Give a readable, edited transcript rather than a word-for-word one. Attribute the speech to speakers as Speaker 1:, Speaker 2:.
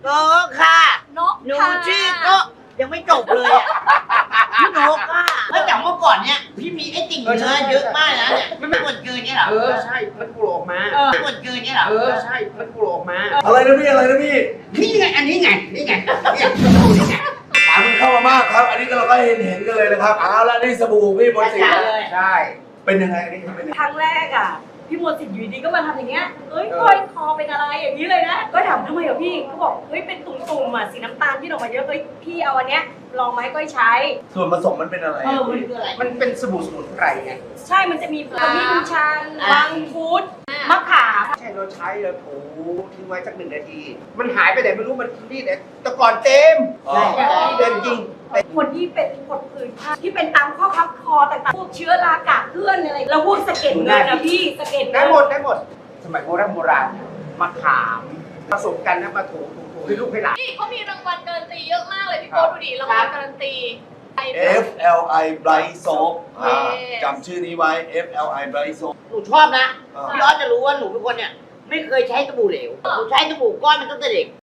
Speaker 1: ก็ค่ะ
Speaker 2: นก
Speaker 1: หนู
Speaker 2: ค่ะ
Speaker 1: ชื่อก็ยังไม่จบเลยอ่ะพี่นกอ่ะเมื่อจากเมื่อก่อนเนี่ยพี่มีไอ้ติ่งเนื้อเยอะมากนะเนี่ยไม่ส่วนเกินเนี่ยเหรอ
Speaker 3: ใช่ มันกลัวออกมา
Speaker 1: ส่วนเกินเนี่ยเหรอ
Speaker 3: ใช่ มันกลัวออกมา
Speaker 4: อะไรนะพี่อะไรนะพี่
Speaker 1: นี่ไงอันนี้ไงนี่ไงเนี่ยนี่ไง
Speaker 4: ถามมันเข้ามามากครับ อันนี้เราก็เห็นกันเลยนะครับเอาละนี่สบู่พี่มนต์สิทธิ์
Speaker 3: ใช่
Speaker 4: เป็นยังไงอันนี้เป็นยังไง
Speaker 2: ครั้งแรกอ่ะพี่มนต์สิทธิ์อยู่ดีก็มาทำอย่างเงี้ยเอ้ยก้อยคอเป็นอะไรอย่างนี้เลยนะก็ถามทำไมเหรอพี่เขาบอกเฮ้ยเป็นตุ่มๆอ่ะสีน้ำตาลที่ออกมาเยอะเฮ้ยพี่เอาอันเนี้ยลองไหมก้อยใช้
Speaker 4: ส่วนผสมมันเป็นอะไร
Speaker 1: มันคืออะไร
Speaker 3: มันเป็นสบู่สมุนไพรไง
Speaker 2: ใช่มันจะมีขมิ้นชันวังคุดมะขาม
Speaker 3: ใช่เราใช้แล้วถูทิ้งไว้สัก1 นาที มันหายไปไหนไม่รู้มันนี่เนี่ยแต่ก่อนเต็ม
Speaker 4: อ๋อ
Speaker 3: เดินจริง
Speaker 2: คนที่เป็นผดผื่นผ้าที่เป็นตามข้อพับคอต่างๆพวกเชื้อรากาเกลื่อนอะไรแล้วพวกสะเก็ดเงินนะพี่สะเก็ด
Speaker 3: ได้
Speaker 2: เงิน
Speaker 3: หมดได้หมด สมัยโบราณมะขามผสมกันนะมาถูให้ลูกให้หลาน
Speaker 5: นี่เขามีรางวัลการันตีเยอะมากเลยพี่โก้ดูดิรางวัลการันตี
Speaker 4: FLI Bright Soap
Speaker 5: อ่า
Speaker 4: จำชื่อนี้ไว้ FLI Bright Soap
Speaker 1: หนูชอบนะ
Speaker 4: อ่า
Speaker 1: พี่ออสจะรู้ว่าหนูเป็นคนเนี่ยไม่เคยใช้สบู่เหลวหนูใช้สบู่ก้อนมันตั้งแต่เด็ก